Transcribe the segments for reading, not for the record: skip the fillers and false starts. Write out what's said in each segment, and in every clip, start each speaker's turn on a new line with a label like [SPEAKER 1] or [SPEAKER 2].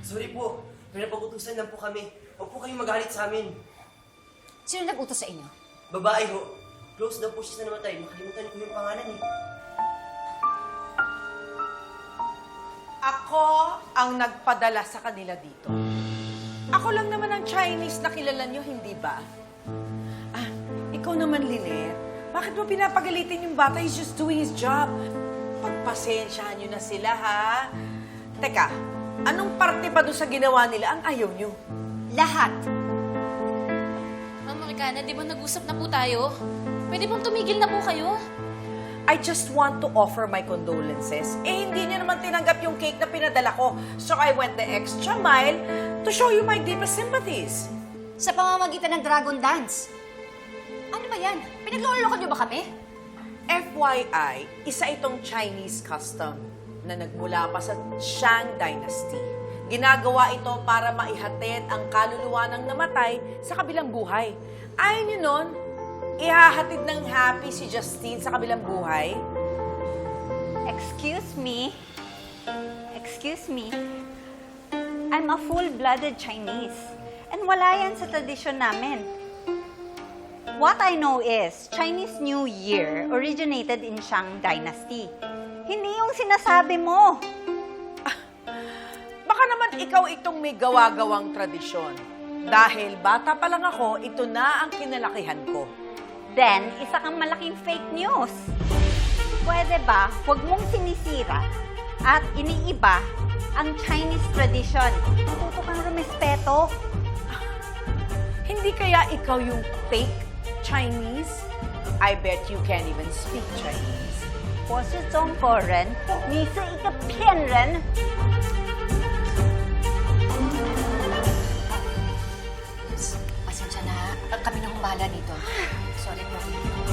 [SPEAKER 1] Sorry po. Pinapagutusan lang po kami. Huwag po kayong magalit sa amin.
[SPEAKER 2] Sino nag-utos sa inyo?
[SPEAKER 1] Babae ho. Close daw po siya sa namatay. Makalimutan ko yung pangalan eh.
[SPEAKER 3] Ako ang nagpadala sa kanila dito. Ako lang naman ang Chinese na kilala nyo, hindi ba? Ah, ikaw naman, Lynette. Bakit mo pinapagalitin yung bata? He's just doing his job. Pagpasensyahan nyo na sila, ha? Teka, anong parte pa doon sa ginawa nila ang ayaw nyo?
[SPEAKER 2] Lahat.
[SPEAKER 4] Ma'am Morgana, di ba nag-usap na po tayo? Pwede bang tumigil na po kayo?
[SPEAKER 3] I just want to offer my condolences. Eh, hindi niya naman tinanggap yung cake na pinadala ko. So I went the extra mile to show you my deepest sympathies.
[SPEAKER 2] Sa pamamagitan ng Dragon Dance. Ano ba yan? Pinagloloko niyo ba kami?
[SPEAKER 3] FYI, isa itong Chinese custom na nagmula pa sa Shang Dynasty. Ginagawa ito para maihatid ang kaluluwa ng namatay sa kabilang buhay. Ayaw niyo nun, ihahatid ng happy si Justine sa kabilang buhay?
[SPEAKER 5] Excuse me. Excuse me. I'm a full-blooded Chinese. And wala yan sa tradisyon namin. What I know is, Chinese New Year originated in Shang Dynasty. Hindi yung sinasabi mo.
[SPEAKER 3] Baka naman ikaw itong may gawa-gawang tradisyon. Dahil bata pa lang ako, ito na ang kinalakihan ko.
[SPEAKER 5] Then, isa kang malaking fake news. Pwede ba, huwag mong sinisira at iniiba ang Chinese tradition. Matuto kang rumespeto.
[SPEAKER 3] Hindi kaya ikaw yung fake Chinese? I bet you can't even speak Chinese.
[SPEAKER 5] 我是中国人，你是一个骗人。
[SPEAKER 2] Pasensya na. Kami na humbala dito. Sorry po.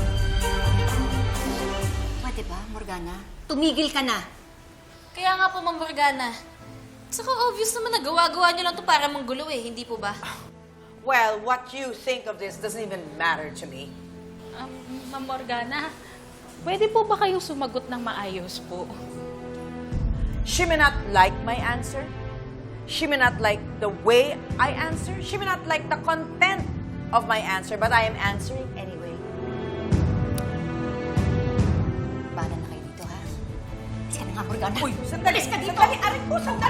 [SPEAKER 2] Pwede ba, Morgana? Tumigil ka na.
[SPEAKER 4] Kaya nga po, Ma'am Morgana. Saka obvious naman nagawa-gawa niyo lang to para manggulo eh, hindi po ba?
[SPEAKER 3] Well, what you think of this doesn't even matter to me.
[SPEAKER 6] Ma'am Morgana, pwede po ba kayong sumagot ng maayos po?
[SPEAKER 3] She may not like my answer. She may not like the way I answer. She may not like the content of my answer, but I am answering anyway.
[SPEAKER 2] Bala na kayo dito, ha? Alis ka na nga, Morgana.
[SPEAKER 3] Uy, sandali!
[SPEAKER 2] Alis ka dito!
[SPEAKER 3] Sandali! Aray ko, sandali!